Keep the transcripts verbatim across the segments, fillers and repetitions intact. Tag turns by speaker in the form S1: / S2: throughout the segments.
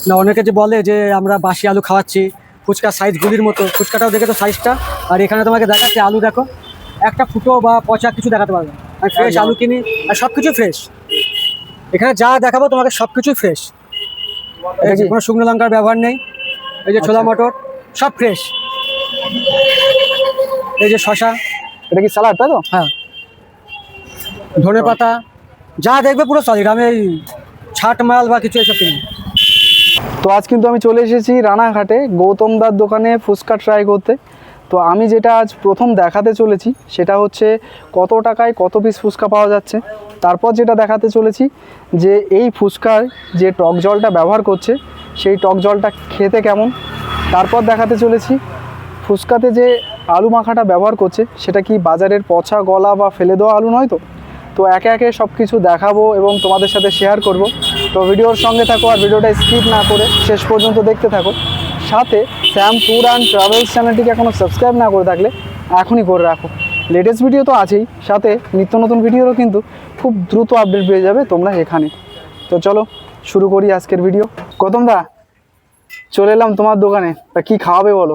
S1: না, অনেকে যে বলে যে আমরা বাসি আলু খাওয়াচ্ছি, ফুচকার সাইজ গুলির মতো। ফুচকাটাও দেখে তো সাইজটা, আর এখানে তোমাকে দেখাচ্ছে আলু দেখো, একটা ফুটো বা পচা কিছু দেখাতে পারবে। আর ফ্রেশ আলু কিনি, আর সব কিছু ফ্রেশ। এখানে যা দেখাবো তোমাকে সব কিছুই ফ্রেশ। কোনো শুকনো লঙ্কার ব্যবহার নেই। এই যে ছোলা মটর সব ফ্রেশ। এই যে শশা,
S2: এটা কি স্যালাড তাই তো?
S1: হ্যাঁ, ধনে পাতা, যা দেখবে পুরো সলিড। আমি এই ছাট মাল বা কিছু এসব কিনি।
S2: তো আজ কিন্তু আমি চলে এসেছি রানাঘাটে গৌতম দার দোকানে ফুচকা ট্রাই করতে। তো আমি যেটা আজ প্রথম দেখাতে চলেছি সেটা হচ্ছে কত টাকায় কত পিস ফুচকা পাওয়া যাচ্ছে। তারপর যেটা দেখাতে চলেছি যে এই ফুচকার যে টক জলটা ব্যবহার করছে সেই টক জলটা খেতে কেমন। তারপর দেখাতে চলেছি ফুচকাতে যে আলু মাখাটা ব্যবহার করছে সেটা কি বাজারের পচা গলা বা ফেলে দেওয়া আলু নয় তো। তো একে একে সব কিছু দেখাবো এবং তোমাদের সাথে শেয়ার করব। তো ভিডিওর সঙ্গে থাকো আর ভিডিওটা স্কিপ না করে শেষ পর্যন্ত দেখতে থাকো। সাথে শ্যাম ট্যুর অ্যান্ড ট্রাভেলস চ্যানেলটিকে এখনও সাবস্ক্রাইব না করে থাকলে এখনই করে রাখো। লেটেস্ট ভিডিও তো আছেই, সাথে নিত্য নতুন ভিডিওরও কিন্তু খুব দ্রুত আপডেট পেয়ে যাবে তোমরা এখানে। তো চলো শুরু করি আজকের ভিডিও। গৌতম দা, চলে এলাম তোমার দোকানে, তা কী খাওয়াবে বলো?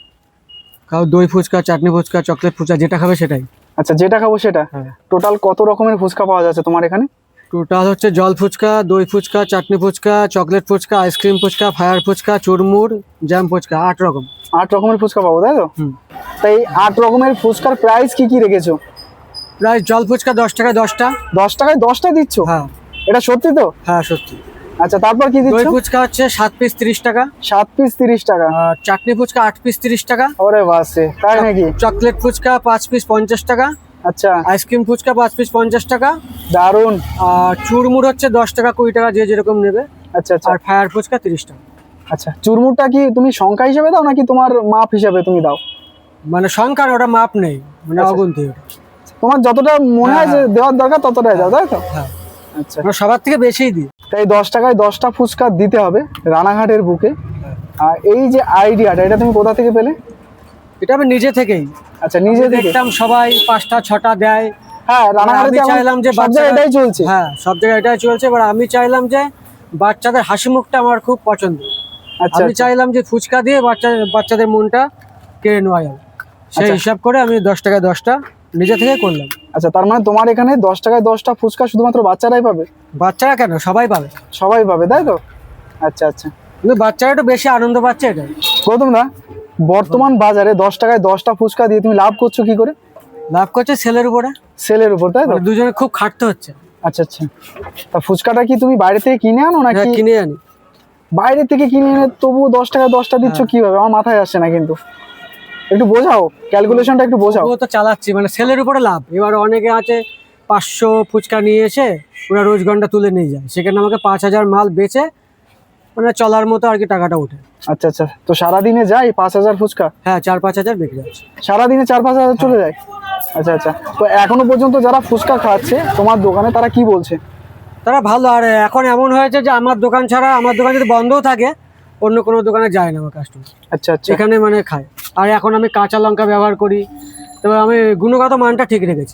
S1: খাও দই ফুচকা, চাটনি ফুচকা, চকলেট ফুচকা, যেটা খাবে সেটাই।
S2: আচ্ছা, যেটা খাবো সেটা।
S1: হ্যাঁ।
S2: টোটাল কত রকমের ফুচকা পাওয়া যাচ্ছে তোমার এখানে?
S1: টোটাল হচ্ছে জল ফুচকা, দই fuchka, chutney fuchka, chocolate fuchka, ice cream fuchka, fire fuchka, churmur, jam fuchka, আট রকম।
S2: আট রকমের ফুচকা পাবো তাই তো?
S1: হুম।
S2: তাই আট রকমের ফুচকার প্রাইস কি কি রেখেছো?
S1: প্রায় জল ফুচকা দশ টাকায় দশটা।
S2: দশ টাকায় দশটা দিচ্ছ?
S1: হ্যাঁ।
S2: এটা সত্যি তো?
S1: হ্যাঁ সত্যি।
S2: আচ্ছা, তারপর কি
S1: দই
S2: দিচ্ছ?
S1: ফুচকা হচ্ছে সাত পিস তিরিশ টাকা।
S2: সাত পিস তিরিশ টাকা।
S1: আর চাটনি ফুচকা আট পিস তিরিশ টাকা।
S2: ওরে বাসে, তাই নাকি?
S1: চকলেট ফুচকা পাঁচ পিস পঞ্চাশ টাকা।
S2: আচ্ছা,
S1: আইসক্রিম ফুচকা পাঁচ পিস পঞ্চাশ টাকা।
S2: দারুন।
S1: আর চুরমুর হচ্ছে দশ টাকা কুড়ি টাকা, যে যেরকম নেবে।
S2: আচ্ছা আচ্ছা।
S1: আর ফায়ার ফুচকা তিরিশ টাকা।
S2: আচ্ছা, চুরমুরটা কি তুমি সংখ্যা হিসেবে দাও নাকি তোমার মাপ হিসেবে তুমি দাও?
S1: মানে সংখ্যার ওটা মাপ নেই, মানে
S2: আচ্ছা।
S1: অগুন্তি ওটা।
S2: তোমার যতটা মনে হয় যে
S1: হ্যাঁ।
S2: দেওয়ার দরকার ততটাই দাও তাই তো?
S1: হ্যাঁ।
S2: আচ্ছা,
S1: আমরা সবার থেকে বেশিই দিই।
S2: তাই দশ টাকায় দশটা ফুচকা দিতে হবে রানাঘাটের বুকে। আর এই যে আইডিয়াটা, এটা তুমি কোথা থেকে পেলে?
S1: এটা আমি নিজে থেকেই।
S2: আচ্ছা, নিজে থেকে?
S1: দেখতাম সবাই পাঁচটা ছটা দেয়।
S2: হ্যাঁ, রানাঘাটে
S1: আমি চাইলাম যে
S2: সব জায়গায় এটাই চলছে।
S1: হ্যাঁ, সব জায়গায় এটাই চলছে। এবার আমি চাইলাম যে বাচ্চাদের হাসি মুখটা আমার খুব পছন্দ।
S2: আচ্ছা,
S1: আমি চাইলাম যে ফুচকা দিয়ে বাচ্চা বাচ্চাদের মনটা কেড়ে নেওয়া যাবে, সেই
S2: আচ্ছা।
S1: হিসাব করে আমি দশ টাকায় দশটা নিজে থেকে করলাম।
S2: আচ্ছা, তার মানে তোমার এখানে দশ টাকায় দশটা ফুচকা শুধুমাত্র বাচ্চারাই পাবে?
S1: বাচ্চারা কেন, সবাই পাবে।
S2: সবাই পাবে তাই তো? আচ্ছা আচ্ছা।
S1: কিন্তু বাচ্চারা একটু বেশি আনন্দ পাচ্ছে এটাই।
S2: গৌতম দা, বর্তমান বাজারে দশ টাকায় দশটা ফুচকা দিয়ে তুমি লাভ করছো কি করে?
S1: লাভ করছে সেলের উপরে।
S2: সেলের উপর তাই তো?
S1: মানে দুজনে খুব খাটতে হচ্ছে।
S2: আচ্ছা আচ্ছা। তা ফুচকাটা কি তুমি বাইরে থেকে কিনে আনো নাকি?
S1: হ্যাঁ, কিনে আনি।
S2: বাইরে থেকে কিনে এনে তবু দশ টাকায় দশটা দিচ্ছ
S1: হ্যাঁ।
S2: কিভাবে? আমার মাথায় আসছে না কিন্তু, একটু বোঝাও, ক্যালকুলেশনটা একটু বোঝাও।
S1: ও তো চালাচ্ছি, মানে সেলের উপরে লাভ। এবার অনেকে আছে পাঁচশো ফুচকা নিয়ে এসে ওরা রোজ ঘন্টা তুলে নিয়ে যায়, সেখানে আমাকে পাঁচ হাজার মাল বেচে মানে চলার মতো আর কি টাকাটা ওঠে।
S2: আচ্ছা আচ্ছা। তো সারাদিনে যায় পাঁচ হাজার ফুচকা?
S1: হ্যাঁ, চার পাঁচ হাজার বিক্রি যাচ্ছে।
S2: সারাদিনে চার পাঁচ হাজার চলে যায়? আচ্ছা আচ্ছা। তো এখনো পর্যন্ত যারা ফুচকা খাচ্ছে তোমার দোকানে তারা কি বলছে?
S1: তারা ভালো। আর এখন এমন হয়েছে যে আমার দোকান ছাড়া, আমার দোকান যদি বন্ধও থাকে অন্য কোনো দোকানে যায় না আমার কাস্টমার,
S2: আচ্ছা আচ্ছা।
S1: এখানে মানে খায়। আর এখন আমি কাঁচা লঙ্কা ব্যবহার করি, তবে আমি গুণগত মানটা ঠিক রেখেছি।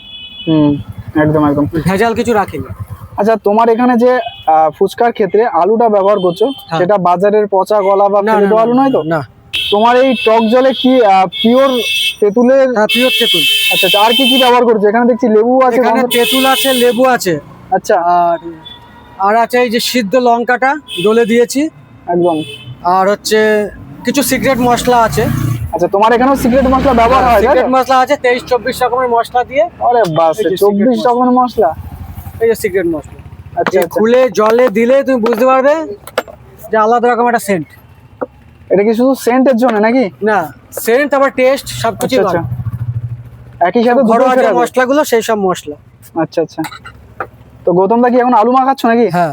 S2: হুম, একদম একদম।
S1: ভেজাল কিছু রাখিনি।
S2: আচ্ছা, তোমার এখানে যে আহ, ফুচকার ক্ষেত্রে আলুটা ব্যবহার করছো
S1: হ্যাঁ।
S2: সেটা বাজারের পচা গলা বা
S1: না,
S2: ফেলে
S1: না,
S2: দেওয়া আলু
S1: না,
S2: নয় তো?
S1: না।
S2: তোমার এই টক জলে কি পিওর তেঁতুলের?
S1: হ্যাঁ, পিওর তেঁতুল।
S2: আচ্ছা আচ্ছা। আর কি কি ব্যবহার করছো? এখানে দেখছি লেবু আছে।
S1: এখানে তেঁতুল আছে, লেবু আছে।
S2: আচ্ছা।
S1: আর আর আছে এই যে সিদ্ধ লঙ্কাটা ডলে দিয়েছি
S2: একদম।
S1: আর হচ্ছে কিছু সিক্রেট মশলা আছে।
S2: আচ্ছা, তোমার এখানেও সিক্রেট মশলা ব্যবহার হয়?
S1: সিক্রেট মশলা আছে তেইশ চব্বিশ রকমের মশলা দিয়ে।
S2: আরে বাস,
S1: এই যে
S2: চব্বিশ
S1: secret
S2: রকমের মশলা?
S1: এই যে সিক্রেট মশলা।
S2: আচ্ছা
S1: এই
S2: আচ্ছা।
S1: খুলে জলে দিলে তুমি বুঝতে পারবে যে আলাদা রকম একটা সেন্ট।
S2: এটা কি শুধু সেন্টের জন্য নাকি?
S1: না, সেন্ট আবার টেস্ট সবকিছু
S2: আচ্ছা আচ্ছা। একই সাথে দুটো
S1: ঘরোয়া যে
S2: ফেরাবে?
S1: মশলাগুলো সেই সব মশলা।
S2: আচ্ছা আচ্ছা। তো গৌতম দা কি এখন আলু মাখাচ্ছ নাকি?
S1: হ্যাঁ।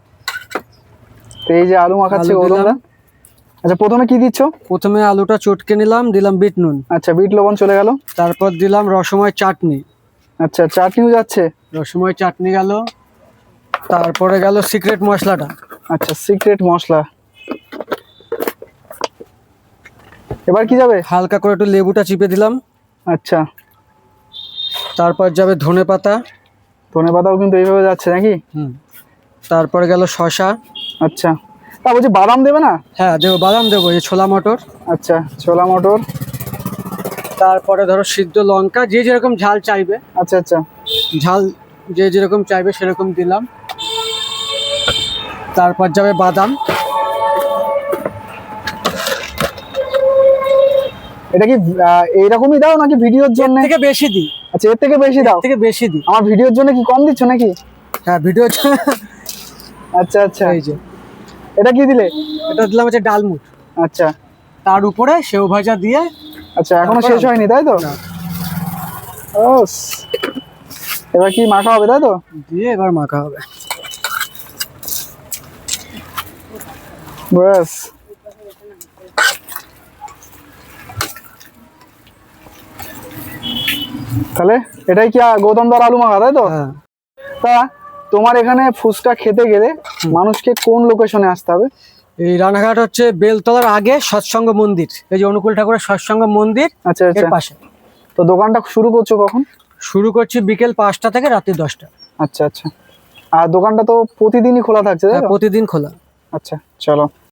S2: তো এই যে আলু মাখাচ্ছে
S1: আলু
S2: গৌতম দা।
S1: দিলাম।
S2: আচ্ছা, প্রথমে কি দিচ্ছ?
S1: প্রথমে আলুটা চটকে নিলাম, দিলাম বিট নুন।
S2: আচ্ছা, বিট লবণ চলে গেল।
S1: তারপর দিলাম রসময় চাটনি।
S2: আচ্ছা, চাটনিও যাচ্ছে।
S1: রসময় চাটনি গেল। তারপরে গেল সিক্রেট মশলাটা।
S2: আচ্ছা, সিক্রেট মশলা। এবার কি যাবে?
S1: হালকা করে একটু লেবুটা চিপে দিলাম।
S2: আচ্ছা।
S1: তারপর যাবে ধনে পাতা।
S2: ধনে পাতাও কিন্তু এইভাবে যাচ্ছে নাকি?
S1: হুম। তারপরে গেল শসা।
S2: আচ্ছা। তা বলছি বাদাম দেবে না?
S1: হ্যাঁ দেবো, বাদাম দেবো, এই ছোলা মটর,
S2: আচ্ছা, ছোলা মটর।
S1: তারপরে ধরো সিদ্ধ লঙ্কা, যে যেরকম ঝাল চাইবে,
S2: আচ্ছা আচ্ছা।
S1: ঝাল যে যেরকম চাইবে সেরকম দিলাম। তারপর যাবে বাদাম।
S2: এটা কি আহ, এইরকমই দাও নাকি ভিডিওর জন্য?
S1: থেকে বেশি দিই,
S2: আচ্ছা, এর থেকে বেশি দাও?
S1: থেকে বেশি দিই।
S2: আমার ভিডিওর জন্য কি কম দিচ্ছ নাকি?
S1: হ্যাঁ ভিডিও।
S2: আচ্ছা আচ্ছা।
S1: এই যে
S2: এটা কি দিলে?
S1: এটা দিলাম হচ্ছে ডালমুট,
S2: আচ্ছা
S1: তার উপরে সেও ভাজা দিয়ে।
S2: আচ্ছা, এখনো
S1: তারপর
S2: শেষ হয়নি তাই তো?
S1: না।
S2: ও, এবার কি মাখা হবে তাই তো?
S1: দিয়ে এবার মাখা হবে।
S2: ব্যাস। তাহলে এটাই কি আ- গৌতম দার আলু মাখা তাই তো?
S1: হ্যাঁ।
S2: তা তোমার এখানে ফুচকা খেতে গেলে মানুষকে কোন লোকেশনে আসতে হবে?
S1: এই রানাঘাট হচ্ছে বেলতলার আগে সৎসঙ্গ মন্দির, এই যে অনুকূল ঠাকুরের সৎসঙ্গ মন্দির
S2: আচ্ছা
S1: এর
S2: আচ্ছা।
S1: পাশে।
S2: তো দোকানটা শুরু করছো কখন?
S1: শুরু করছি বিকেল পাঁচটা থেকে রাত্রি দশটা।
S2: আচ্ছা আচ্ছা। আর দোকানটা তো প্রতিদিনই খোলা থাকছে তাই
S1: হ্যাঁ,
S2: তো?
S1: প্রতিদিন খোলা।
S2: আচ্ছা, চলো।